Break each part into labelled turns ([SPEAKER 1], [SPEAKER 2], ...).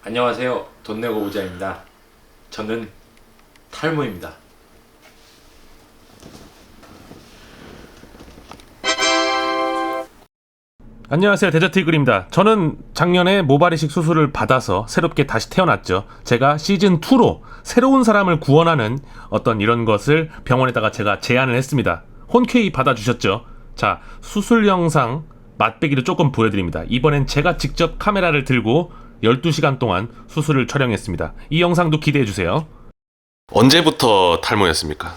[SPEAKER 1] 안녕하세요. 돈 내고 오자입니다. 저는 탈모입니다.
[SPEAKER 2] 안녕하세요, 데저트 이글입니다. 저는 작년에 모발 이식 수술을 받아서 새롭게 다시 태어났죠. 제가 시즌2로 새로운 사람을 구원하는 어떤 이런 것을 병원에다가 제가 제안을 했습니다. 흔쾌히 받아주셨죠. 자, 수술 영상 맛배기를 조금 보여드립니다. 이번엔 제가 직접 카메라를 들고 12시간 동안 수술을 촬영했습니다. 이 영상도 기대해주세요.
[SPEAKER 3] 언제부터 탈모였습니까?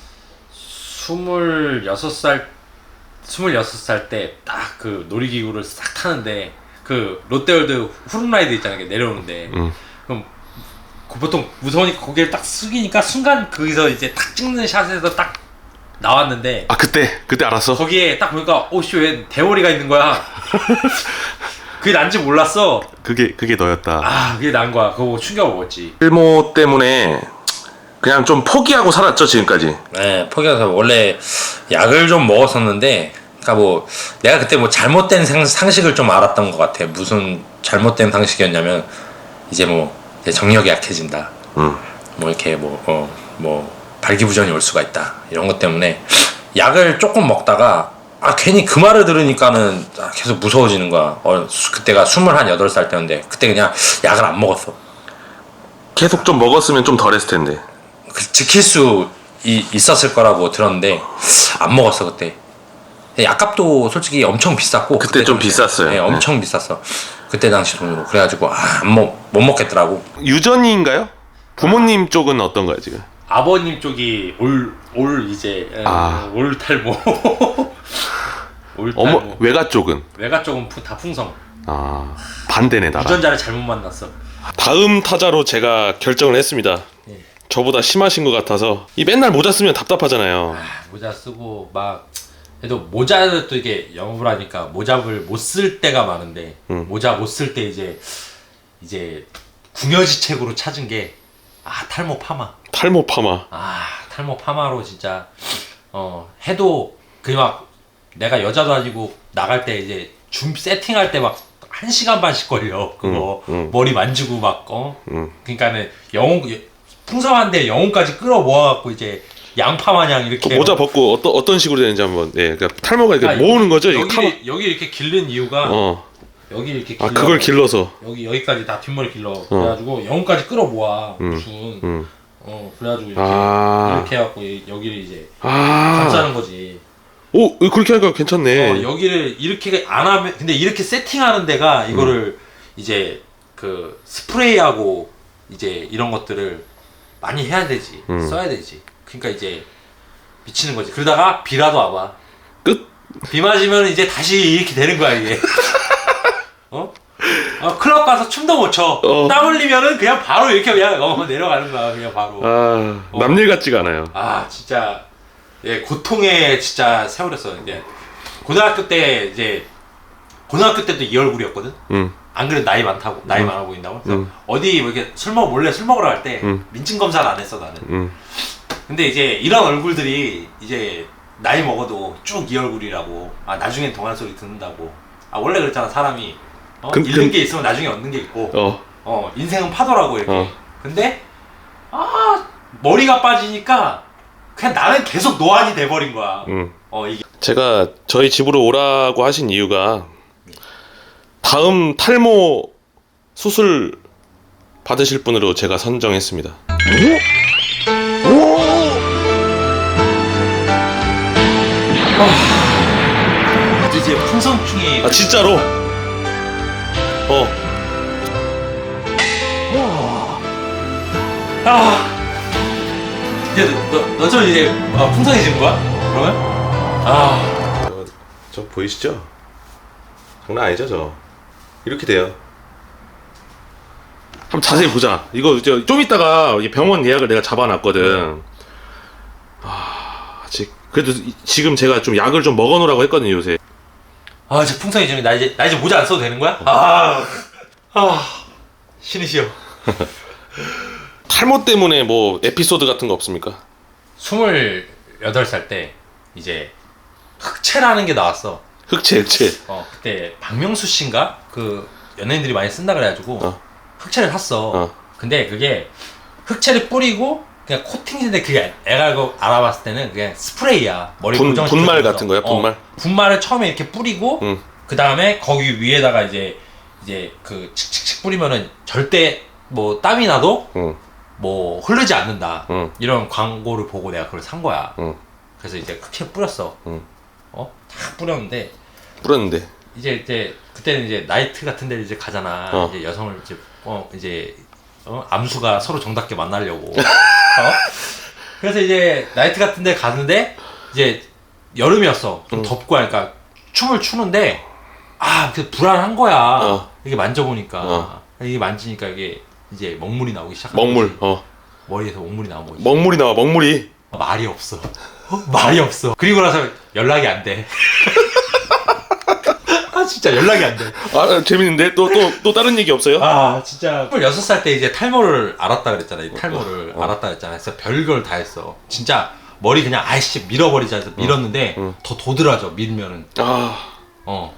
[SPEAKER 1] 26살 때 딱 그 놀이기구를 싹 타는데 그 롯데월드 후룸라이드 있잖아요. 내려오는데 그럼 보통 무서우니까 고개를 딱 숙이니까 순간 거기서 이제 딱 찍는 샷에서 딱 나왔는데
[SPEAKER 3] 아 그때 알았어?
[SPEAKER 1] 거기에 딱 보니까 오씨 왜 대머리가 있는 거야. 그게 난지 몰랐어.
[SPEAKER 3] 그게 너였다.
[SPEAKER 1] 아 그게 난 거야. 그거 보고 충격을 먹었지.
[SPEAKER 3] 탈모 때문에 그냥 좀 포기하고 살았죠 지금까지.
[SPEAKER 4] 네, 포기해서 원래 약을 좀 먹었었는데, 그러니까 뭐 내가 그때 뭐 잘못된 상식을 좀 알았던 것 같아. 무슨 잘못된 상식이었냐면 이제 뭐 이제 정력이 약해진다. 뭐 이렇게 뭐 발기부전이 올 수가 있다. 이런 것 때문에 약을 조금 먹다가 괜히 그 말을 들으니까는 계속 무서워지는 거야. 그때가 28살 때였는데 그때 그냥 약을 안 먹었어.
[SPEAKER 3] 계속 좀 먹었으면 좀 덜했을 텐데.
[SPEAKER 4] 지킬 수 있었을 거라고 들었는데 안 먹었어 그때. 약값도 솔직히 엄청 비쌌고
[SPEAKER 3] 그때 좀 비쌌어요.
[SPEAKER 4] 네, 엄청 비쌌어 그때 당시 돈으로. 그래가지고 못 먹겠더라고.
[SPEAKER 3] 유전인가요? 부모님 쪽은 어떤가요 지금?
[SPEAKER 1] 아버님 쪽이 올 탈모. 올
[SPEAKER 3] 어머
[SPEAKER 1] 탈모.
[SPEAKER 3] 외가 쪽은?
[SPEAKER 1] 외가 쪽은 다 풍성.
[SPEAKER 3] 반대네 나랑.
[SPEAKER 1] 유전자를 잘못 만났어.
[SPEAKER 3] 다음 타자로 제가 결정을 했습니다. 저보다 심하신 것 같아서 이 맨날 모자 쓰면 답답하잖아요.
[SPEAKER 1] 모자 쓰고 막 그래도 모자를 또 이게 영업을 하니까 모자를 못 쓸 때가 많은데 모자 못 쓸 때 이제 궁여지책으로 찾은 게 탈모 파마.
[SPEAKER 3] 탈모 파마.
[SPEAKER 1] 탈모 파마로 진짜 해도 그 막 내가 여자도 아니고 나갈 때 이제 줌 세팅할 때 막 1시간 반씩 걸려 그거. 머리 만지고 막 그러니까는 풍성한데 영혼까지 끌어모아갖고 이제 양파 마냥 이렇게
[SPEAKER 3] 그 모자 벗고 어떤 식으로 되는지 한번. 그러니까 탈모가 이렇게 모으는 거죠.
[SPEAKER 1] 여기 이렇게 길른 이유가 여기 이렇게 길러.
[SPEAKER 3] 그걸 길러서
[SPEAKER 1] 여기까지 다 뒷머리 길러. 그래가지고 영혼까지 끌어모아 무슨 그래가지고 이렇게 해갖고 여기를 이제 감싸는 거지.
[SPEAKER 3] 오 그렇게 하니까 괜찮네.
[SPEAKER 1] 여기를 이렇게 안 하면 근데 이렇게 세팅하는 데가 이거를 이제 그 스프레이하고 이제 이런 것들을 많이 해야 되지. 써야 되지. 그러니까 이제 미치는 거지. 그러다가 비라도 와봐.
[SPEAKER 3] 끝.
[SPEAKER 1] 비 맞으면 이제 다시 이렇게 되는 거야 이게. 클럽 가서 춤도 못 춰. 땀 흘리면은 그냥 바로 이렇게 그냥 내려가는 거야 그냥 바로.
[SPEAKER 3] 남일 같지가 않아요.
[SPEAKER 1] 진짜 고통의 진짜 세월이었어. 이제 고등학교 때도 이 얼굴이었거든. 안 그래도 나이 많아 보인다고. 그래서 어디 뭐 이렇게 몰래 술 먹으러 갈 때 민증 검사를 안 했어 나는. 근데 이제 이런 얼굴들이 이제 나이 먹어도 쭉 이 얼굴이라고. 나중엔 동안 소리 듣는다고. 원래 그랬잖아 사람이. 잃는 게 있으면 나중에 얻는 게 있고. 인생은 파도라고 이렇게. 근데 머리가 빠지니까 그냥 나는 계속 노안이 돼버린 거야. 이게.
[SPEAKER 3] 제가 저희 집으로 오라고 하신 이유가 다음 탈모 수술 받으실 분으로 제가 선정했습니다.
[SPEAKER 1] 이제 풍성충이.
[SPEAKER 3] 진짜로?
[SPEAKER 1] 이제 너처럼 이제 풍성해진 거야? 그러면?
[SPEAKER 3] 저 보이시죠? 장난 아니죠 저. 이렇게 돼요. 한번 자세히 보자. 이거 좀 이따가 병원 예약을 내가 잡아놨거든. 그래도 지금 제가 좀 약을 좀 먹어놓으라고 했거든요 요새.
[SPEAKER 1] 이제 풍성해지면 나 이제 모자 안 써도 되는 거야? 신이 쉬어.
[SPEAKER 3] 탈모 때문에 뭐 에피소드 같은 거 없습니까?
[SPEAKER 1] 28살 때 이제 흑채라는 게 나왔어.
[SPEAKER 3] 흑채.
[SPEAKER 1] 그때 박명수 씨인가? 그 연예인들이 많이 쓴다 그래가지고 흑채를 샀어.
[SPEAKER 3] 어.
[SPEAKER 1] 근데 그게 흑채를 뿌리고 그냥 코팅인데 그게 내가 이거 알아봤을 때는 그냥 스프레이야. 머리 고정시켜서.
[SPEAKER 3] 분말 같은 거야? 분말?
[SPEAKER 1] 분말을 처음에 이렇게 뿌리고 그 다음에 거기 위에다가 이제 그 칙칙칙 뿌리면은 절대 뭐 땀이 나도 뭐 흐르지 않는다. 이런 광고를 보고 내가 그걸 산 거야. 그래서 이제 흑채 뿌렸어. 탁 뿌렸는데 이제 그때는 이제 나이트 같은 데 이제 가잖아. 이제 여성을 이제 암수가 서로 정답게 만나려고. 그래서 이제 나이트 같은 데 가는데 이제 여름이었어. 좀 덥고 하니까 춤을 추는데 그 불안한 거야. 이게 만져보니까 이게 만지니까 이게 이제 먹물이 나오기 시작한
[SPEAKER 3] 먹물.
[SPEAKER 1] 거지. 머리에서 먹물이 나온 거지.
[SPEAKER 3] 먹물이 나와. 먹물이.
[SPEAKER 1] 말이 없어. 말이 없어. 그리고 나서 연락이 안 돼. 진짜 연락이 안 돼.
[SPEAKER 3] 재밌는데? 또 다른 얘기 없어요?
[SPEAKER 1] 진짜 26살 때 이제 탈모를 알았다 그랬잖아. 이 탈모를 알았다 그랬잖아. 그래서 별걸 다 했어. 진짜 머리 그냥 아이씨 밀어버리자 해서 밀었는데 더 도드라져 밀면은. 더.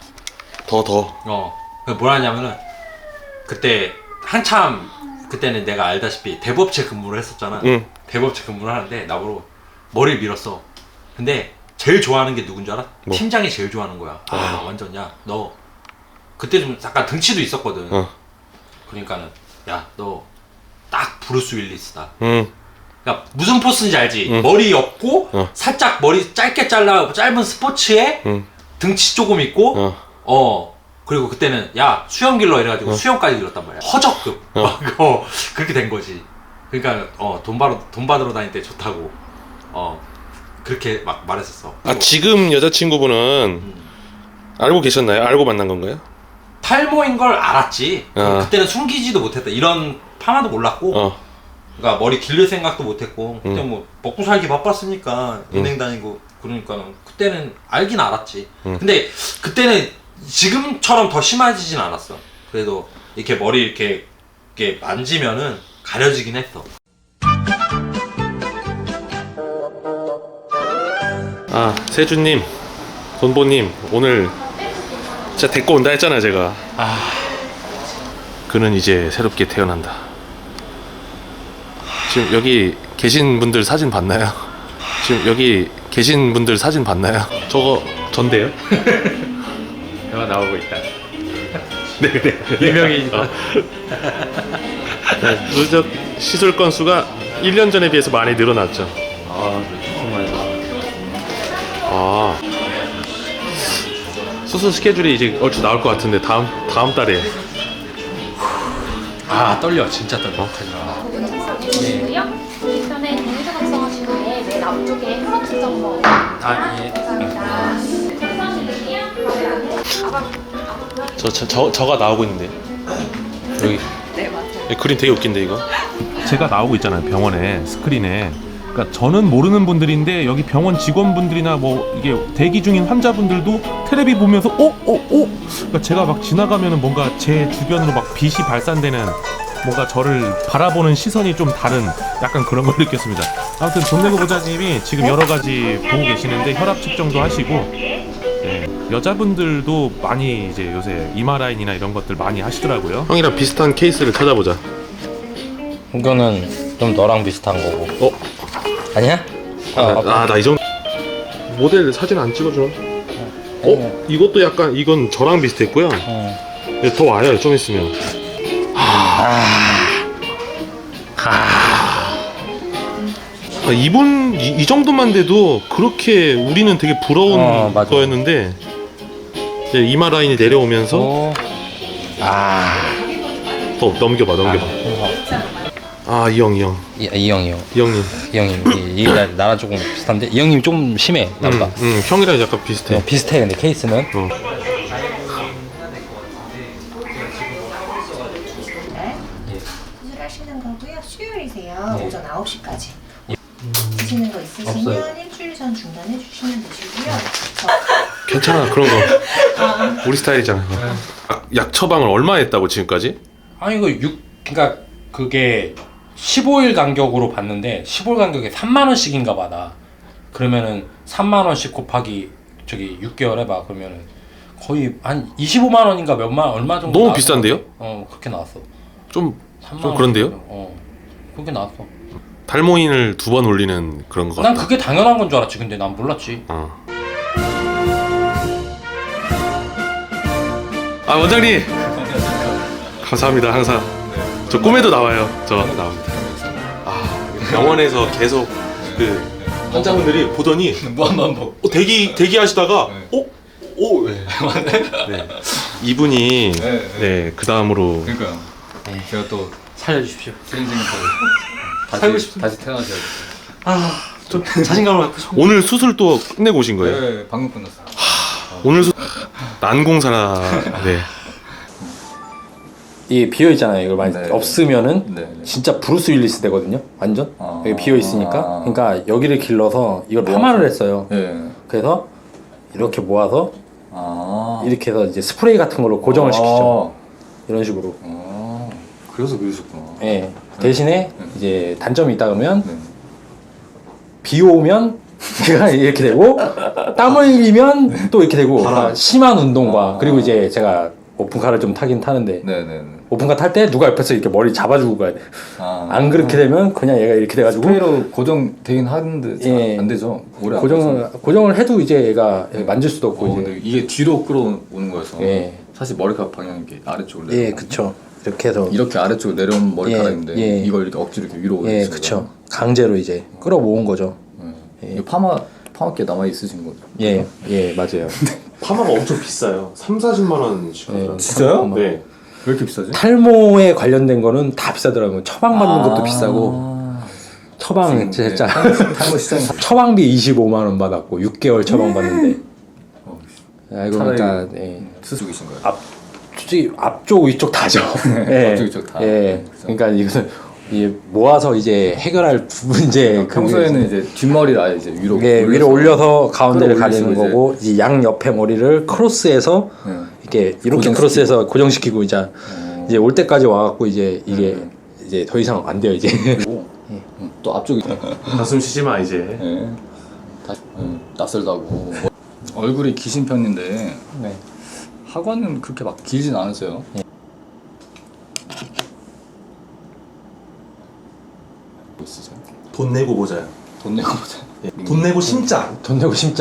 [SPEAKER 1] 뭘 하냐면은 그때 한참 그때는 내가 알다시피 대부업체 근무를 했었잖아. 대부업체 근무를 하는데 나보고 머리를 밀었어. 근데 제일 좋아하는 게 누군 줄 알아?
[SPEAKER 3] 뭐?
[SPEAKER 1] 팀장이 제일 좋아하는 거야. 완전 야 너 그때 좀 약간 등치도 있었거든. 그러니까는 야 너 딱 브루스 윌리스다. 그러니까 무슨 포스인지 알지? 머리 없고 살짝 머리 짧게 잘라 짧은 스포츠에 등치 조금 있고 그리고 그때는 야 수염 길러 이래가지고 수염까지 길렀단 말이야. 허접급 막 그렇게 된 거지. 그러니까 돈 받으러 다닐 때 좋다고 그렇게 막 말했었어.
[SPEAKER 3] 지금 여자친구분은 알고 계셨나요? 알고 만난 건가요?
[SPEAKER 1] 탈모인 걸 알았지. 그때는 숨기지도 못했다. 이런 파마도 몰랐고 그러니까 머리 길릴 생각도 못했고 그때 뭐 먹고 살기 바빴으니까 은행 다니고 그러니까 그때는 알긴 알았지. 근데 그때는 지금처럼 더 심해지진 않았어. 그래도 이렇게 머리 이렇게 만지면은 가려지긴 했어.
[SPEAKER 3] 세준님, 돈보님 오늘 진짜 데리고 온다 했잖아요 제가. 그는 이제 새롭게 태어난다. 지금 여기 계신 분들 사진 봤나요? 저거 전데요?
[SPEAKER 1] 내가 나오고 있다.
[SPEAKER 3] 네.
[SPEAKER 1] 유명해지다.
[SPEAKER 3] 누적 시술 건수가 1년 전에 비해서 많이 늘어났죠.
[SPEAKER 1] 정말.
[SPEAKER 3] 수술 스케줄이 이제 얼추 나올 것 같은데 다음 달에.
[SPEAKER 1] 떨려. 진짜 떨려.
[SPEAKER 5] 부분 작성해주시고요. 뒤편에 동의서 작성하신 후에 맨 앞쪽에 혈압 측정서.
[SPEAKER 1] 예.
[SPEAKER 5] 감사합니다.
[SPEAKER 3] 저가 나오고 있는데 여기.
[SPEAKER 5] 네, 맞아요.
[SPEAKER 3] 그림 되게 웃긴데 이거.
[SPEAKER 2] 제가 나오고 있잖아요, 병원에 스크린에. 그러니까 저는 모르는 분들인데 여기 병원 직원분들이나 뭐 이게 대기 중인 환자분들도 텔레비 보면서 그러니까 제가 막 지나가면은 뭔가 제 주변으로 막 빛이 발산되는 뭔가 저를 바라보는 시선이 좀 다른 약간 그런 걸 느꼈습니다. 아무튼 존내고 보자님이 지금 여러 가지 보고 계시는데 혈압 측정도 하시고 여자분들도 많이 이제 요새 이마 라인이나 이런 것들 많이 하시더라고요.
[SPEAKER 3] 형이랑 비슷한 케이스를 찾아보자.
[SPEAKER 4] 이거는 좀 너랑 비슷한 거고. 아니야?
[SPEAKER 3] 나 이 정도 모델 사진 안 찍어줘. 이것도 약간 이건 저랑 비슷했고요. 더 와요 좀 있으면. 이분 이 정도만 돼도 그렇게 우리는 되게 부러운
[SPEAKER 4] 맞아.
[SPEAKER 3] 거였는데 이제 이마 라인이 내려오면서 더 넘겨봐. 이 형이요.
[SPEAKER 4] 이 형이요.
[SPEAKER 3] 이 형님.
[SPEAKER 4] 이 형님 나랑 조금 비슷한데 이 형님 좀 심해 나보다.
[SPEAKER 3] 형이랑 약간 비슷해.
[SPEAKER 4] 비슷해 근데 케이스는.
[SPEAKER 6] 수술하시는 거고요. 수요일이세요. 오전 9시까지. 드시는 거 있으시면 일주일 전 중단해 주시면 되시고요.
[SPEAKER 3] 괜찮아 그런 거. 우리 스타일이잖아. 약 처방을 얼마 했다고 지금까지?
[SPEAKER 1] 그러니까 그게 15일 간격으로 봤는데 15일 간격에 3만 원씩인가 받아. 그러면은 3만 원씩 곱하기 6개월 해봐. 그러면은 거의 한 25만 원인가 얼마 정도.
[SPEAKER 3] 너무 비싼데요?
[SPEAKER 1] 그렇게 나왔어.
[SPEAKER 3] 좀
[SPEAKER 1] 3만 원
[SPEAKER 3] 그런데요?
[SPEAKER 1] 정도. 그렇게 나왔어.
[SPEAKER 3] 탈모인을 2번 올리는 그런 거 같다.
[SPEAKER 1] 난 그게 당연한 건 줄 알았지. 근데 난 몰랐지.
[SPEAKER 3] 아 원장님 감사합니다. 항상 저 꿈에도 나와요. 저 나옵니다. 병원에서 계속 그 환자분들이 보더니 대기하시다가 네. 이분이 네, 그 다음으로
[SPEAKER 7] 그러니까요. 제가 또
[SPEAKER 1] 살려주십시오.
[SPEAKER 7] 살고 싶 다시 태어나셔야 돼요.
[SPEAKER 1] 좀 자신감을 갖고 싶어.
[SPEAKER 3] 오늘 수술 또 끝내고 오신 거예요?
[SPEAKER 7] 네, 방금 끝났어요.
[SPEAKER 3] 오늘 난공사나 네.
[SPEAKER 2] 이 비어 있잖아요. 이걸 많이
[SPEAKER 7] 네.
[SPEAKER 2] 없으면은
[SPEAKER 7] 네.
[SPEAKER 2] 진짜 브루스 윌리스 되거든요. 완전 여기 비어 있으니까.
[SPEAKER 7] 아.
[SPEAKER 2] 그러니까 여기를 길러서 이걸 파마를 했어요.
[SPEAKER 7] 네.
[SPEAKER 2] 그래서 이렇게 모아서
[SPEAKER 7] 아.
[SPEAKER 2] 이렇게 해서 이제 스프레이 같은 걸로 고정을 시키죠. 이런 식으로.
[SPEAKER 7] 그래서 그러셨구나.
[SPEAKER 2] 예. 대신에 이제 단점이 있다 그러면
[SPEAKER 7] 네.
[SPEAKER 2] 비 오면 제가 이렇게 되고 땀 흘리면 또 이렇게 되고 심한 운동과 그리고 이제 제가 오픈카를 좀 타긴 타는데
[SPEAKER 7] 네네네.
[SPEAKER 2] 오픈카 탈 때 누가 옆에서 이렇게 머리 잡아주고 가야 돼.
[SPEAKER 7] 아.
[SPEAKER 2] 안 그렇게 되면 그냥 얘가 이렇게 돼가지고
[SPEAKER 7] 스프레이로 고정되긴 하는데 잘
[SPEAKER 2] 예.
[SPEAKER 7] 안 되죠. 오래 안 가서.
[SPEAKER 2] 고정을 해도 이제 얘가 만질 수도 없고 이제.
[SPEAKER 7] 근데 이게 뒤로 끌어오는 거여서
[SPEAKER 2] 예.
[SPEAKER 7] 사실 머리카락 방향이 이렇게 아래쪽으로
[SPEAKER 2] 예,
[SPEAKER 7] 내려오고
[SPEAKER 2] 그쵸. 이렇게 해서
[SPEAKER 7] 이렇게 아래쪽으로 내려온 머리카락인데
[SPEAKER 2] 예.
[SPEAKER 7] 이걸 이렇게 억지로 이렇게 위로
[SPEAKER 2] 예,
[SPEAKER 7] 올리신
[SPEAKER 2] 그쵸. 강제로 이제 끌어모은 거죠.
[SPEAKER 7] 거예요? 이거 파마께 남아 있으신 거죠?
[SPEAKER 2] 예, 예, 맞아요.
[SPEAKER 3] 파마가 엄청 비싸요. 3-40만 원씩 하더라고요.
[SPEAKER 7] 진짜요?
[SPEAKER 3] 네.
[SPEAKER 7] 왜 이렇게 비싸지?
[SPEAKER 2] 탈모에 관련된 거는 다 비싸더라고요. 처방 받는 것도 비싸고. 처방 진짜
[SPEAKER 7] 탈모 시장
[SPEAKER 2] 처방비 25만 원 받았고 6개월 처방 받는데. 이거
[SPEAKER 7] 차라리
[SPEAKER 2] 그러니까 예.
[SPEAKER 7] 수술이신 거예요?
[SPEAKER 2] 솔직히 앞쪽 위쪽 다죠. 예.
[SPEAKER 7] 앞쪽, 위쪽 다.
[SPEAKER 2] 예.
[SPEAKER 7] 그죠.
[SPEAKER 2] 그러니까 이것은 모아서 이제 해결할 문제.
[SPEAKER 7] 평소에는 이제 뒷머리를 아예 이제 위로
[SPEAKER 2] 위로 올려서 가운데를
[SPEAKER 7] 끌어올리시고
[SPEAKER 2] 가리는 거고 이제 양 옆에 머리를 크로스해서 이렇게 이렇게
[SPEAKER 7] 고정시키고.
[SPEAKER 2] 크로스해서 고정시키고 이제 올 때까지 와갖고 이제 이게 이제 더 이상 안 돼요 이제.
[SPEAKER 7] 또 앞쪽이
[SPEAKER 3] 가슴 쉬지 마 이제.
[SPEAKER 7] 예. 다시 낯설다고 얼굴이 기신 편인데 하관은 그렇게 막 길진 않으세요. 뭐 있으세요?
[SPEAKER 3] 돈 내고 보자요.
[SPEAKER 7] 돈 내고 보자.
[SPEAKER 3] 돈 내고 심자.
[SPEAKER 2] 돈 내고 심자.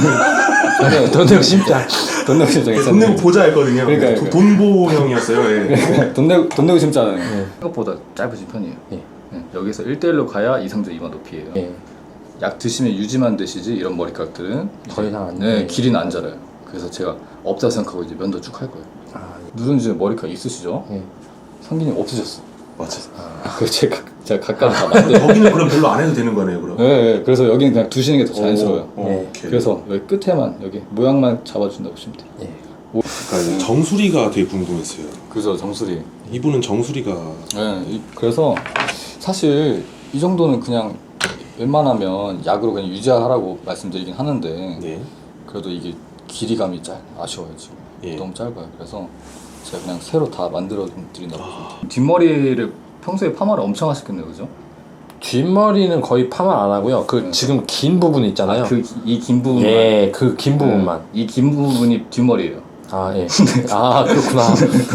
[SPEAKER 2] 돈 내고 심자.
[SPEAKER 7] 돈 내고 심자
[SPEAKER 3] 돈 내고 보자 했거든요.
[SPEAKER 7] 그러니까.
[SPEAKER 3] 돈보형이었어요. 예.
[SPEAKER 7] 돈 내고 심자는 생각보다 짧으신 편이에요. 여기서 1대1로 가야 이상적 이마 높이에요. 약 드시면 유지만 드시지 이런 머리카락들은
[SPEAKER 2] 더 이상 안
[SPEAKER 7] 네,
[SPEAKER 2] 돼.
[SPEAKER 7] 길이는 안 자라요. 그래서 제가 없다 생각하고 이제 면도 쭉 할 거예요. 누룽지 머리카락 있으시죠?
[SPEAKER 2] 예.
[SPEAKER 7] 상기님 없으셨어.
[SPEAKER 3] 맞아.
[SPEAKER 7] 그 제가 각각 다 만들어.
[SPEAKER 3] 거기는 그럼 별로 안 해도 되는 거네요, 그럼.
[SPEAKER 7] 네, 그래서 여기는 그냥 두시는 게 더 자연스러워요.
[SPEAKER 3] 오케이.
[SPEAKER 7] 그래서 여기 끝에만 여기 모양만 잡아준다고 보시면 돼요.
[SPEAKER 3] 그러니까 정수리가 되게 궁금했어요.
[SPEAKER 7] 그래서 정수리.
[SPEAKER 3] 이분은 정수리가
[SPEAKER 7] 네, 그래서 사실 이 정도는 그냥 웬만하면 약으로 그냥 유지하라고 말씀드리긴 하는데
[SPEAKER 3] 네.
[SPEAKER 7] 그래도 이게 길이감이 아쉬워요 지금.
[SPEAKER 3] 예.
[SPEAKER 7] 너무 짧아요. 그래서 제가 그냥 새로 다 만들어 드린다고 보시면 돼요. 뒷머리를 평소에 파마를 엄청 하셨겠네요, 그죠?
[SPEAKER 2] 뒷머리는 거의 파마 안 하고요. 그 지금 긴 부분 있잖아요.
[SPEAKER 7] 이 긴 부분.
[SPEAKER 2] 예, 그 긴 부분만.
[SPEAKER 7] 이 긴 부분이 뒷머리예요.
[SPEAKER 2] 아 예. 아 그렇구나.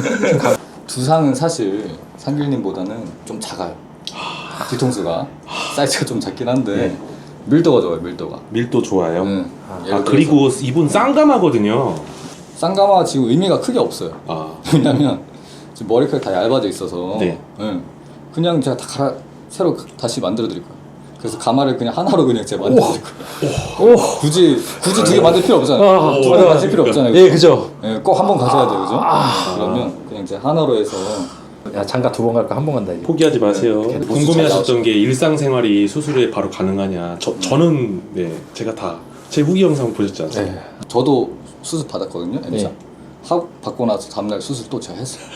[SPEAKER 7] 두상은 사실 상길님보다는 좀 작아요. 뒤통수가 사이즈가 좀 작긴 한데 밀도가 좋아요. 밀도가.
[SPEAKER 3] 밀도 좋아요.
[SPEAKER 7] 예를 들어서
[SPEAKER 3] 그리고 이분 쌍감하거든요.
[SPEAKER 7] 쌍가마 지금 의미가 크게 없어요. 왜냐면 지금 머리카락이 다 얇아져 있어서
[SPEAKER 3] 네.
[SPEAKER 7] 그냥 제가 다 새로 다시 만들어 드릴 거예요. 그래서 가마를 그냥 하나로 그냥 제가 만들어 드릴 거예요. 굳이 두 개 만들 필요 없잖아요. 두 개 만들 필요 없잖아요.
[SPEAKER 2] 예, 그죠.
[SPEAKER 7] 꼭 한 번 가셔야 돼요, 그죠? 그러면 그냥 이제 하나로 해서
[SPEAKER 2] 야 장가 2번 갈까 1번 간다 이제.
[SPEAKER 3] 포기하지 마세요.
[SPEAKER 7] 네.
[SPEAKER 3] 궁금해하셨던 게 일상생활이 수술에 바로 가능하냐. 저는 네 제가 다 제 후기 영상 보셨지 않습니까?
[SPEAKER 2] 네.
[SPEAKER 7] 저도 수술 받았거든요. M자.
[SPEAKER 2] 네.
[SPEAKER 7] 받고 나서 다음날 수술 또 제가 했어요.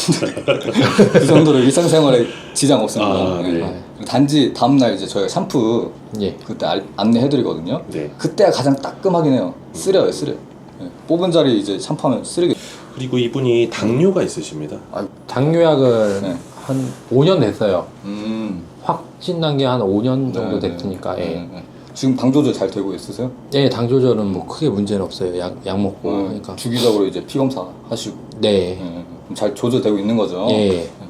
[SPEAKER 7] 그 정도로 일상생활에 지장 없습니다.
[SPEAKER 3] 네.
[SPEAKER 7] 단지 다음날 이제 저희가 샴푸
[SPEAKER 2] 예.
[SPEAKER 7] 그때 안내해드리거든요.
[SPEAKER 3] 네.
[SPEAKER 7] 그때가 가장 따끔하긴 해요. 쓰려요, 쓰려. 뽑은 자리 이제 샴푸하면 쓰레기.
[SPEAKER 3] 그리고 이분이 당뇨가 있으십니다.
[SPEAKER 2] 당뇨약은
[SPEAKER 7] 네.
[SPEAKER 2] 한 5년 됐어요.
[SPEAKER 7] 음.
[SPEAKER 2] 확진 난 게 한 5년 정도
[SPEAKER 7] 네,
[SPEAKER 2] 됐으니까.
[SPEAKER 7] 네, 네. 지금 당 조절 잘 되고 있으세요?
[SPEAKER 2] 예, 당 조절은 뭐 크게 문제는 없어요. 약 먹고 하니까.
[SPEAKER 7] 주기적으로 이제 피 검사 하시고
[SPEAKER 2] 네.
[SPEAKER 7] 잘 조절되고 있는 거죠.
[SPEAKER 2] 예.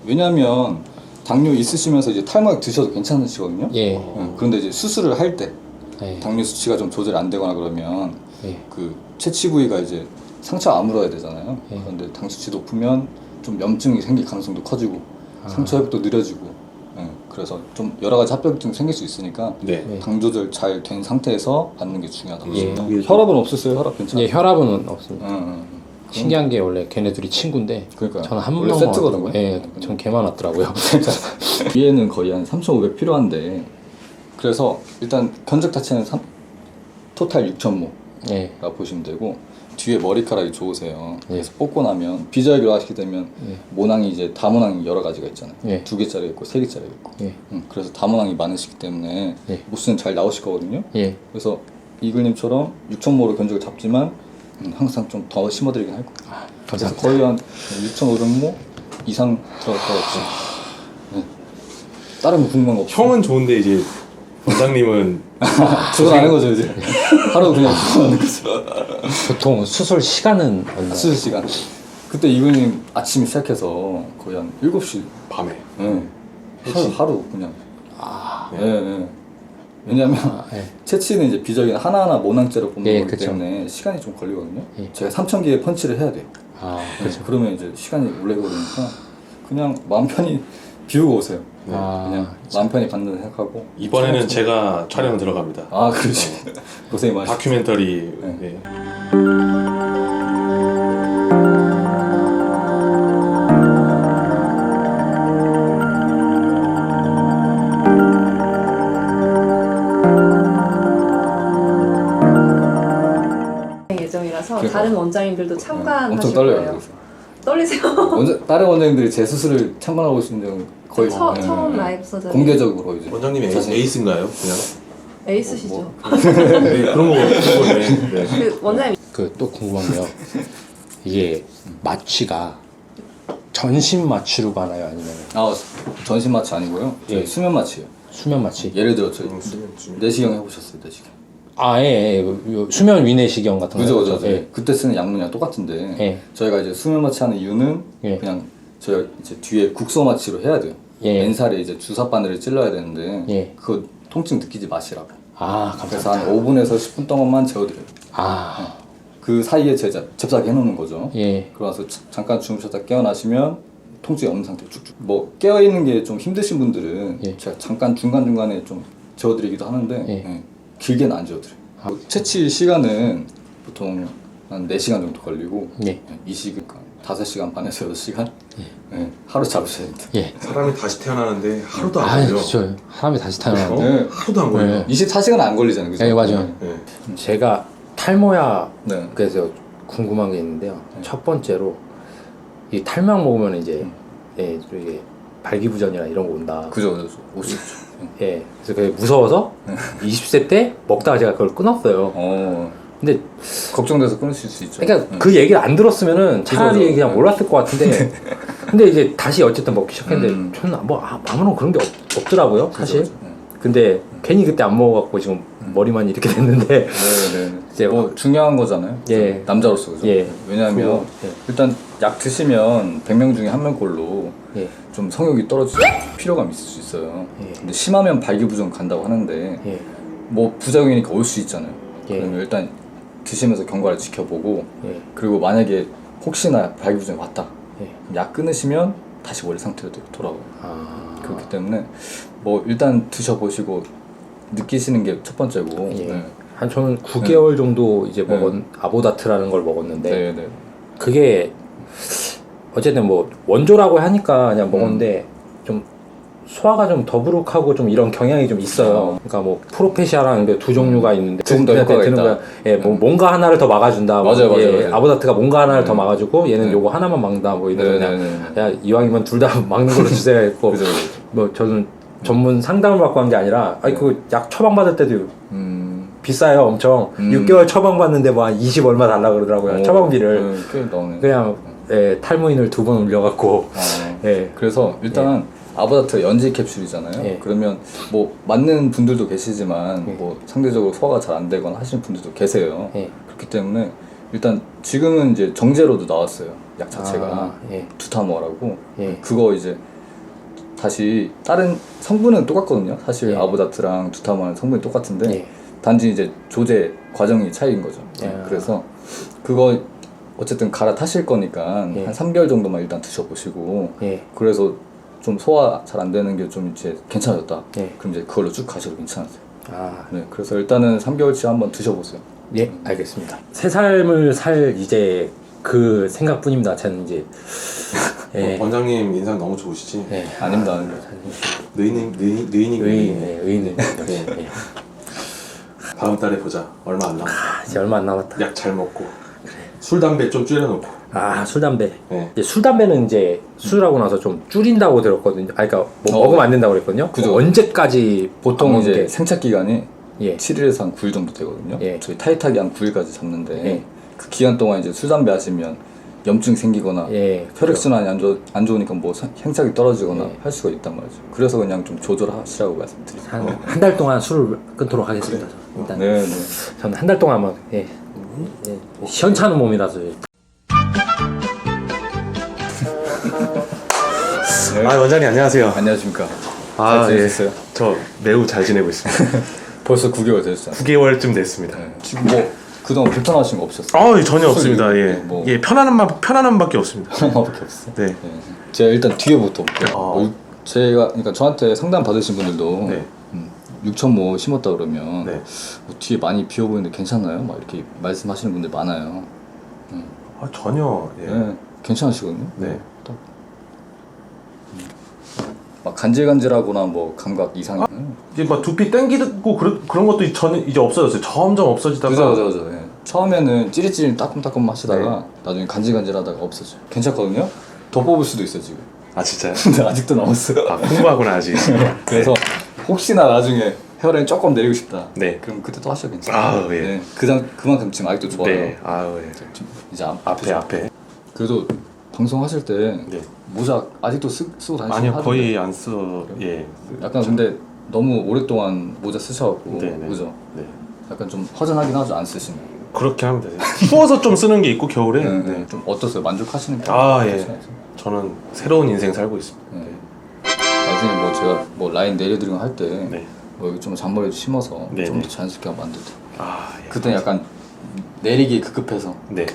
[SPEAKER 7] 왜냐하면 당뇨 있으시면서 이제 탈모약 드셔도 괜찮으시거든요.
[SPEAKER 4] 예.
[SPEAKER 7] 그런데 이제 수술을 할 때
[SPEAKER 4] 예.
[SPEAKER 7] 당뇨 수치가 좀 조절이 안 되거나 그러면
[SPEAKER 4] 예.
[SPEAKER 7] 그 채취 부위가 이제 상처 아물어야 되잖아요.
[SPEAKER 4] 예.
[SPEAKER 7] 그런데 당 수치 높으면 좀 염증이 생길 가능성도 커지고 상처 회복도 느려지고 그래서 좀 여러 가지 합병증 생길 수 있으니까
[SPEAKER 3] 네.
[SPEAKER 7] 당 조절 잘 된 상태에서 받는 게 중요하다고
[SPEAKER 4] 예.
[SPEAKER 7] 생각합니다. 혈압은 없었어요? 혈압 괜찮아요?
[SPEAKER 4] 예, 혈압은 없습니다.
[SPEAKER 7] 응.
[SPEAKER 4] 신기한 게 원래 걔네들이 친구인데
[SPEAKER 7] 그러니까요.
[SPEAKER 4] 저는 한
[SPEAKER 7] 원래
[SPEAKER 4] 명만
[SPEAKER 7] 세트거든요.
[SPEAKER 4] 왔더라고요. 예, 전 걔만 왔더라고요.
[SPEAKER 7] 위에는 거의 한 3,500 필요한데 그래서 일단 견적 자체는 토탈 6,000모가
[SPEAKER 4] 예.
[SPEAKER 7] 보시면 되고 뒤에 머리카락이 좋으세요.
[SPEAKER 4] 예.
[SPEAKER 7] 그래서 뽑고 나면 비절기로 하시게 되면
[SPEAKER 4] 예.
[SPEAKER 7] 모낭이 이제 다모낭이 여러 가지가 있잖아요.
[SPEAKER 4] 예.
[SPEAKER 7] 2개짜리 있고 3개짜리 있고.
[SPEAKER 4] 예.
[SPEAKER 7] 그래서 다모낭이 많으시기 때문에
[SPEAKER 4] 예.
[SPEAKER 7] 모수는 잘 나오실 거거든요.
[SPEAKER 4] 예.
[SPEAKER 7] 그래서 이글님처럼 6,000모로 견적을 잡지만 항상 좀 더 심어드리긴 할 거예요. 그래서
[SPEAKER 4] 감사합니다.
[SPEAKER 7] 거의 한 6,500모 이상 들어갈 것 같아요. 네. 다른 거 궁금한 거 없어요?
[SPEAKER 3] 형은 좋은데 이제 원장님은
[SPEAKER 7] 그건 아는 거죠 이제. 하루 그냥 하는 거죠.
[SPEAKER 4] 보통 수술 시간은 얼마?
[SPEAKER 7] 수술 시간. 그때 이글님 아침에 시작해서 거의 한 7시.
[SPEAKER 3] 밤에.
[SPEAKER 7] 네. 하루 그냥. 네. 왜냐면
[SPEAKER 4] 예.
[SPEAKER 7] 채취는 이제 비절기는 하나하나 모낭째로 뽑는
[SPEAKER 4] 예,
[SPEAKER 7] 거기
[SPEAKER 4] 그쵸.
[SPEAKER 7] 때문에 시간이 좀 걸리거든요.
[SPEAKER 4] 예.
[SPEAKER 7] 제가 3,000개의 펀치를 해야 돼요.
[SPEAKER 4] 아,
[SPEAKER 7] 그렇죠. 그러면 이제 시간이 오래 걸리니까 그냥 마음 편히 비우고 오세요.
[SPEAKER 4] 아,
[SPEAKER 7] 그냥 마음 편히 받는 생각하고.
[SPEAKER 3] 이번에는 제가 촬영 들어갑니다.
[SPEAKER 7] 아 그렇지. 고생 많으셨어요.
[SPEAKER 3] 다큐멘터리.
[SPEAKER 7] 네.
[SPEAKER 3] 네.
[SPEAKER 8] 예정이라서
[SPEAKER 7] 그러니까.
[SPEAKER 8] 다른 원장님들도 참관하실
[SPEAKER 7] 엄청 떨려요.
[SPEAKER 8] 거예요.
[SPEAKER 7] 그래서.
[SPEAKER 8] 떨리세요?
[SPEAKER 7] 다른 원장님들이 제 수술을 참관하고 있는 적은 거의
[SPEAKER 8] 처음 라이브 서저리
[SPEAKER 7] 공개적으로 이제
[SPEAKER 3] 원장님이
[SPEAKER 7] 자신-
[SPEAKER 3] 에이스인가요? 그냥?
[SPEAKER 8] 에이스시죠.
[SPEAKER 3] 네, 그런 거네. 네.
[SPEAKER 8] 그 원장님
[SPEAKER 4] 그 또 궁금한 게요. 이게 마취가 전신 마취로 가나요? 아니면
[SPEAKER 7] 전신 마취 아니고요. 저희
[SPEAKER 4] 예.
[SPEAKER 7] 수면 마취예요.
[SPEAKER 4] 수면 마취?
[SPEAKER 7] 예를 들어 저희
[SPEAKER 3] 수면.
[SPEAKER 7] 내시경 해보셨어요, 내시경.
[SPEAKER 4] 아, 예, 예. 요 수면 위내시경 같은 거.
[SPEAKER 7] 그죠.
[SPEAKER 4] 예.
[SPEAKER 7] 그때 쓰는 약물이랑 똑같은데
[SPEAKER 4] 예.
[SPEAKER 7] 저희가 이제 수면 마취하는 이유는
[SPEAKER 4] 예.
[SPEAKER 7] 그냥 저희가 이제 뒤에 국소 마취로 해야 돼요.
[SPEAKER 4] 예.
[SPEAKER 7] 맨살에 이제 주사 바늘을 찔러야 되는데
[SPEAKER 4] 예.
[SPEAKER 7] 그거 통증 느끼지 마시라고.
[SPEAKER 4] 아,
[SPEAKER 7] 그래서
[SPEAKER 4] 감사합니다.
[SPEAKER 7] 한 5분에서 10분 동안만 재워드려요.
[SPEAKER 4] 아,
[SPEAKER 7] 그 사이에 제가 잽싸게 해놓는 거죠.
[SPEAKER 4] 예.
[SPEAKER 7] 그러면서 잠깐 주무셨다 깨어나시면 통증이 없는 상태로 쭉쭉. 뭐 깨어있는 게 좀 힘드신 분들은
[SPEAKER 4] 예.
[SPEAKER 7] 제가 잠깐 중간중간에 좀 재워드리기도 하는데
[SPEAKER 4] 예.
[SPEAKER 7] 예, 길게는 안 재워드려요. 채취 시간은 보통 한 4시간 정도 걸리고
[SPEAKER 4] 예.
[SPEAKER 7] 이 시간 5시간 반에서 6시간 예, 하루 잡으셔야 됩니다.
[SPEAKER 4] 예.
[SPEAKER 3] 사람이 다시 태어나는데 하루도
[SPEAKER 4] 아,
[SPEAKER 3] 안 걸려.
[SPEAKER 4] 그렇죠. 사람이 다시 태어나는데.
[SPEAKER 7] 네.
[SPEAKER 3] 하루도 안 걸려.
[SPEAKER 4] 네.
[SPEAKER 7] 24시간 안 걸리잖아요. 그죠?
[SPEAKER 4] 예, 맞아요.
[SPEAKER 3] 네.
[SPEAKER 4] 제가 탈모야
[SPEAKER 7] 네.
[SPEAKER 4] 그래서 궁금한 게 있는데요. 첫 번째로 이 탈모약 먹으면 이제 예, 이게 발기부전이나 이런 거 온다.
[SPEAKER 7] 그죠. 올수 있죠.
[SPEAKER 4] 예. 그래서 그게 무서워서 20세 때 먹다가 제가 그걸 끊었어요. 근데
[SPEAKER 7] 걱정돼서 끊으실 수 있죠.
[SPEAKER 4] 그러니까 그 얘기를 안 들었으면은 차라리
[SPEAKER 7] 그죠.
[SPEAKER 4] 그냥 몰랐을 것 같은데 근데 이제 다시 어쨌든 먹기 시작했는데 저는 뭐 아무런 그런 게 없더라고요 사실.
[SPEAKER 7] 그죠.
[SPEAKER 4] 근데 괜히 그때 안 먹어갖고 지금 머리만 이렇게 됐는데
[SPEAKER 7] 네.
[SPEAKER 4] 이제
[SPEAKER 7] 뭐 중요한 거잖아요.
[SPEAKER 4] 예.
[SPEAKER 7] 남자로서 그죠.
[SPEAKER 4] 예.
[SPEAKER 7] 왜냐하면
[SPEAKER 4] 그거, 예.
[SPEAKER 7] 일단 약 드시면 100명 중에 1명꼴로
[SPEAKER 4] 예.
[SPEAKER 7] 좀 성욕이 떨어질 필요감이 있을 수 있어요.
[SPEAKER 4] 예.
[SPEAKER 7] 근데 심하면 발기부전 간다고 하는데
[SPEAKER 4] 예.
[SPEAKER 7] 뭐 부작용이니까 올 수 있잖아요.
[SPEAKER 4] 예.
[SPEAKER 7] 그러면 일단 드시면서 경과를 지켜보고
[SPEAKER 4] 예.
[SPEAKER 7] 그리고 만약에 혹시나 발기부전이 왔다.
[SPEAKER 4] 예.
[SPEAKER 7] 그럼 약 끊으시면 다시 원래 상태로 돌아와요.
[SPEAKER 4] 아.
[SPEAKER 7] 그렇기 때문에 뭐 일단 드셔보시고 느끼시는 게 첫 번째고.
[SPEAKER 4] 예.
[SPEAKER 7] 네.
[SPEAKER 4] 한 저는 9개월 정도 이제
[SPEAKER 7] 네.
[SPEAKER 4] 먹은 아보다트라는 걸 먹었는데
[SPEAKER 7] 네.
[SPEAKER 4] 그게 어쨌든 뭐 원조라고 하니까 그냥 먹었는데 좀 소화가 좀 더부룩하고 좀 이런 경향이 좀 있어요. 그러니까 뭐 프로페시아라는 게 두 종류가 있는데
[SPEAKER 7] 조금 더 효과가
[SPEAKER 4] 드는
[SPEAKER 7] 있다.
[SPEAKER 4] 거야. 예, 뭐 뭔가 하나를 더 막아준다. 뭐
[SPEAKER 7] 맞아요.
[SPEAKER 4] 예, 아보다트가 뭔가 하나를 더 막아주고 얘는
[SPEAKER 7] 네.
[SPEAKER 4] 요거 하나만 막는다. 뭐 이래서 그냥
[SPEAKER 7] 네.
[SPEAKER 4] 야 이왕이면 둘 다 막는 걸로 주세요 했고
[SPEAKER 7] 그죠.
[SPEAKER 4] 뭐 저는 전문 상담을 받고 한 게 아니라 아니 그 약 처방 받을 때도 비싸요 엄청 6개월 처방 받는데 뭐 한 20 얼마 달라 그러더라고요 처방비를
[SPEAKER 7] 꽤 나오네.
[SPEAKER 4] 그냥 예, 탈모인을 2번 올려갖고 예.
[SPEAKER 7] 그래서 일단 아보다트가 연지 캡슐이잖아요.
[SPEAKER 4] 예.
[SPEAKER 7] 그러면 뭐 맞는 분들도 계시지만
[SPEAKER 4] 예.
[SPEAKER 7] 뭐 상대적으로 소화가 잘 안 되거나 하시는 분들도 계세요.
[SPEAKER 4] 예.
[SPEAKER 7] 그렇기 때문에 일단 지금은 이제 정제로도 나왔어요. 약 자체가
[SPEAKER 4] 아, 예.
[SPEAKER 7] 두타모라고
[SPEAKER 4] 예.
[SPEAKER 7] 그거 이제 다시 다른 성분은 똑같거든요. 사실
[SPEAKER 9] 예.
[SPEAKER 7] 아보다트랑 두타마는 성분이 똑같은데
[SPEAKER 9] 예.
[SPEAKER 7] 단지 이제 조제 과정이 차이인 거죠. 그래서 그거 어쨌든 갈아타실 거니까
[SPEAKER 9] 예.
[SPEAKER 7] 한 3개월 정도만 일단 드셔보시고
[SPEAKER 9] 예.
[SPEAKER 7] 그래서 좀 소화 잘 안 되는 게 좀 이제 괜찮아졌다.
[SPEAKER 9] 예.
[SPEAKER 7] 그럼 이제 그걸로 쭉 가셔도 괜찮으세요.
[SPEAKER 9] 아,
[SPEAKER 7] 네, 그래서 일단은 3개월치 한번 드셔보세요.
[SPEAKER 9] 예, 알겠습니다. 새 삶을 살 이제 그 생각뿐입니다. 저는 이제 예.
[SPEAKER 3] 원장님 인상 너무 좋으시지?
[SPEAKER 9] 예.
[SPEAKER 7] 아닙니다, 아닙니다.
[SPEAKER 9] 의인 역시. 예.
[SPEAKER 3] 다음 달에 보자. 얼마 안 남았다.
[SPEAKER 9] 이제 얼마 안 남았다.
[SPEAKER 3] 약 잘 먹고 술 담배 좀 줄여놓고.
[SPEAKER 9] 아, 술 담배.
[SPEAKER 3] 네.
[SPEAKER 9] 이제 술 담배는 이제 수술하고 나서 좀 줄인다고 들었거든요. 아, 그러니까 뭐 먹으면 안 된다고 그랬거든요.
[SPEAKER 7] 그죠.
[SPEAKER 9] 언제까지
[SPEAKER 7] 보통
[SPEAKER 9] 안
[SPEAKER 7] 이제
[SPEAKER 9] 먹는 게-
[SPEAKER 7] 생착 기간이
[SPEAKER 9] 예.
[SPEAKER 7] 7일에서 한 9일 정도 되거든요.
[SPEAKER 9] 예.
[SPEAKER 7] 저희 타이트하게 한 9일까지 잡는데
[SPEAKER 9] 예.
[SPEAKER 7] 그 기간 동안 이제 술 담배 하시면 염증 생기거나
[SPEAKER 9] 예.
[SPEAKER 7] 혈액순환이 안 좋으니까 뭐 행착이 떨어지거나
[SPEAKER 9] 예.
[SPEAKER 7] 할 수가 있단 말이죠. 그래서 그냥 좀 조절하시라고 말씀드립니다.
[SPEAKER 9] 한 달 동안 술을 끊도록 하겠습니다. 일단
[SPEAKER 7] 네, 네.
[SPEAKER 9] 저는 한 달 동안만 예. 시원찮은 몸이라서
[SPEAKER 3] 아 원장님 안녕하세요.
[SPEAKER 7] 안녕하십니까.
[SPEAKER 3] 아
[SPEAKER 7] 잘 지내셨어요?
[SPEAKER 3] 저 매우 잘 지내고 있습니다.
[SPEAKER 7] 벌써 9개월 되셨잖아요.
[SPEAKER 3] 9개월쯤 됐습니다.
[SPEAKER 7] 네. 지금 뭐 그동안 불편하신 거 없었어요?
[SPEAKER 3] 전혀 없습니다. 예,
[SPEAKER 7] 뭐.
[SPEAKER 3] 예 편안함밖에 없습니다.
[SPEAKER 7] 하나밖에 없어요.
[SPEAKER 3] 네.
[SPEAKER 7] 네. 제가 일단 뒤에부터 볼게요.
[SPEAKER 3] 아.
[SPEAKER 7] 뭐 제가 그러니까 저한테 상담 받으신 분들도
[SPEAKER 3] 네.
[SPEAKER 7] 6천 뭐 심었다 그러면
[SPEAKER 3] 네.
[SPEAKER 7] 뭐 뒤에 많이 비어 보이는데 괜찮나요? 막 이렇게 말씀하시는 분들 많아요.
[SPEAKER 3] 전혀 예.
[SPEAKER 7] 네, 괜찮으시거든요.
[SPEAKER 3] 네.
[SPEAKER 7] 딱. 막 간질간질하거나 뭐 감각 이상이.
[SPEAKER 3] 이제 막 두피 땡기고 그런 것도 저는 이제 없어졌어요. 점점 없어지다가.
[SPEAKER 7] 그죠. 예. 처음에는 찌릿찌릿 따끔따끔 하시다가 나중에 간질간질하다가 없어져요. 괜찮거든요. 더 뽑을 수도 있어요 지금.
[SPEAKER 3] 아 진짜요?
[SPEAKER 7] 근데 아직도 남았어요.
[SPEAKER 3] 아 공부하구나 아직.
[SPEAKER 7] 그래서 혹시나 나중에 헤어라인 조금 내리고 싶다.
[SPEAKER 3] 네.
[SPEAKER 7] 그럼 그때 또 하셔도 괜찮아요.
[SPEAKER 3] 아, 예.
[SPEAKER 7] 네. 그만큼 지금 아직도 좋아요.
[SPEAKER 3] 네. 아우 예.
[SPEAKER 7] 좀 이제
[SPEAKER 3] 앞에.
[SPEAKER 7] 그래도 방송하실 때
[SPEAKER 3] 네.
[SPEAKER 7] 모자 아직도 쓰고 다니시는
[SPEAKER 3] 아니요 거의 안 써. 예.
[SPEAKER 7] 약간 근데 너무 오랫동안 모자 쓰셔갖고
[SPEAKER 3] 네네.
[SPEAKER 7] 그죠?
[SPEAKER 3] 네.
[SPEAKER 7] 약간 좀 허전하긴 하죠 안 쓰시면.
[SPEAKER 3] 그렇게 하면 되세요. 추워서 좀 쓰는 게 있고 겨울에.
[SPEAKER 7] 네.
[SPEAKER 3] 네.
[SPEAKER 7] 좀 어떠세요? 만족하시는 거?
[SPEAKER 3] 아 예. 저는 새로운 인생 살고 있습니다.
[SPEAKER 7] 네. 나중에 뭐 제가 뭐 라인 내려드리고 할 때
[SPEAKER 3] 네.
[SPEAKER 7] 뭐 여기 좀 잔머리 심어서
[SPEAKER 3] 네네.
[SPEAKER 7] 좀 더 자연스럽게 한번 만들죠.
[SPEAKER 3] 아 예.
[SPEAKER 7] 그때 약간 내리기 급급해서
[SPEAKER 3] 네.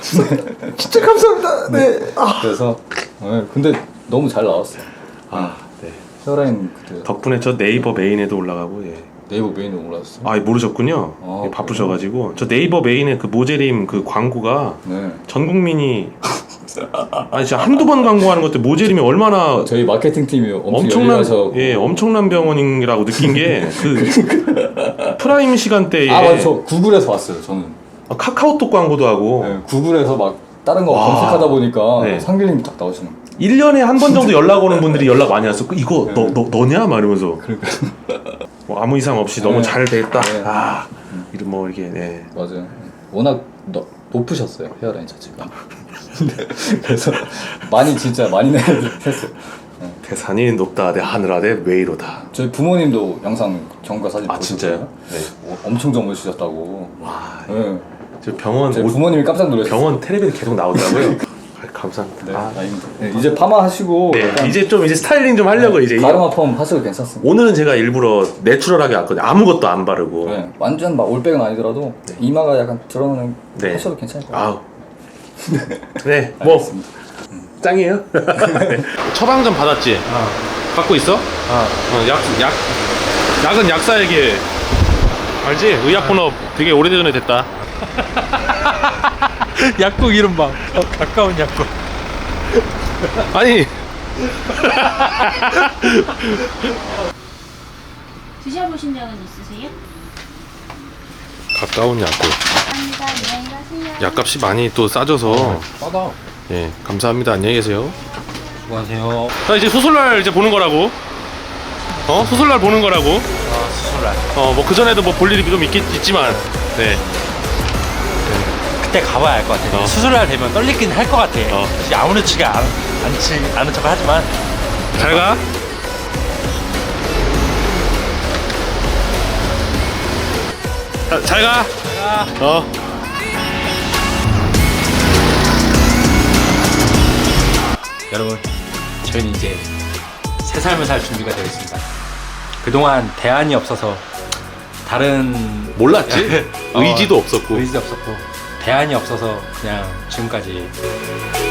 [SPEAKER 7] 진짜 감사합니다. 네. 그래서 근데 너무 잘 나왔어요.
[SPEAKER 3] 아 네.
[SPEAKER 7] 헤어라인 그때
[SPEAKER 3] 덕분에 저 네이버 메인에도 올라가고 예.
[SPEAKER 7] 네이버 메인에 올라왔어요.
[SPEAKER 3] 아 모르셨군요.
[SPEAKER 7] 아,
[SPEAKER 3] 예, 바쁘셔가지고 저 네이버 메인에 그 모제림 그 광고가
[SPEAKER 7] 네.
[SPEAKER 3] 전 국민이 아니 진짜 한두 번 광고하는 것도 모제림이 얼마나
[SPEAKER 7] 저희 마케팅 팀이 엄청 열일하셔.
[SPEAKER 3] 엄청난 병원이라고 느낀 게 그 프라임 시간대에
[SPEAKER 7] 아 맞아. 저 구글에서 왔어요. 저는.
[SPEAKER 3] 카카오톡 광고도 하고
[SPEAKER 7] 네, 구글에서 막 다른 거
[SPEAKER 3] 와.
[SPEAKER 7] 검색하다 보니까
[SPEAKER 3] 네.
[SPEAKER 7] 상길님이 딱 나오시는 거예요.
[SPEAKER 3] 1년에 한 번 정도 연락 오는 분들이 연락 많이 왔어. 이거
[SPEAKER 7] 네.
[SPEAKER 3] 너냐? 막 이러면서
[SPEAKER 7] 그러니까
[SPEAKER 3] 뭐 아무 이상 없이
[SPEAKER 7] 네.
[SPEAKER 3] 너무 잘 됐다.
[SPEAKER 7] 네.
[SPEAKER 3] 아 이런 뭐 이게 네.
[SPEAKER 7] 맞아요. 워낙 높으셨어요 헤어라인 자체가. 그래서 진짜 많이 내렸어요.
[SPEAKER 3] 태산이 높다 대 하늘 아래 웨이로다.
[SPEAKER 7] 저희 부모님도 영상 경과 사진
[SPEAKER 3] 아 진짜요? 네.
[SPEAKER 7] 엄청 젊으시셨다고.
[SPEAKER 3] 와.
[SPEAKER 7] 네.
[SPEAKER 3] 저 병원
[SPEAKER 7] 저희 부모님이 깜짝 놀랐어요.
[SPEAKER 3] 병원 텔레비전 계속 나오더라고요. 아, 감사합니다.
[SPEAKER 7] 네,
[SPEAKER 3] 아,
[SPEAKER 7] 다행입니다. 네, 이제 파마 하시고
[SPEAKER 3] 네,
[SPEAKER 7] 약간
[SPEAKER 3] 이제 스타일링 좀 하려고 이제
[SPEAKER 7] 가르마 펌 하셔도 괜찮습니다.
[SPEAKER 3] 오늘은 제가 일부러 내추럴하게 왔거든요. 아무것도 안 바르고.
[SPEAKER 7] 네, 완전 막 올백은 아니더라도 이마가 약간 드러나는
[SPEAKER 3] 네.
[SPEAKER 7] 하셔도 괜찮을 것 같아요.
[SPEAKER 3] 아우. 네, 뭐 짱이에요. 네. 처방전 받았지. 갖고 있어? 약은 약사에게 알지? 의약 본업 되게 오래전에 됐다.
[SPEAKER 1] 약국 이름 봐. 가까운 약국.
[SPEAKER 3] 아니
[SPEAKER 5] 드셔보신 적은 있으세요?
[SPEAKER 3] 가까운 약국.
[SPEAKER 5] 감사합니다. 안녕히 가세요.
[SPEAKER 3] 약값이 많이 또 싸져서.
[SPEAKER 1] 싸다.
[SPEAKER 3] 예, 감사합니다. 안녕히 계세요.
[SPEAKER 1] 수고하세요.
[SPEAKER 3] 자 이제 수술날 이제 보는 거라고. 수술날 보는 거라고.
[SPEAKER 1] 수술날.
[SPEAKER 3] 뭐 그 전에도 뭐 볼 일이 좀 있지만. 네.
[SPEAKER 1] 그때 가봐야 알 것 같아. 수술날 되면 떨리긴 할 것 같아. 사실 아무렇지가 않은 척을 하지만.
[SPEAKER 3] 잘 가. 잘 가.
[SPEAKER 1] 여러분, 저희는 이제 새
[SPEAKER 9] 새 삶을 살 준비가 되어 있습니다. 그동안 대안이 없어서 다른
[SPEAKER 3] 몰랐지. 의지도 없었고.
[SPEAKER 9] 의지도 없었고 대안이 없어서 그냥 지금까지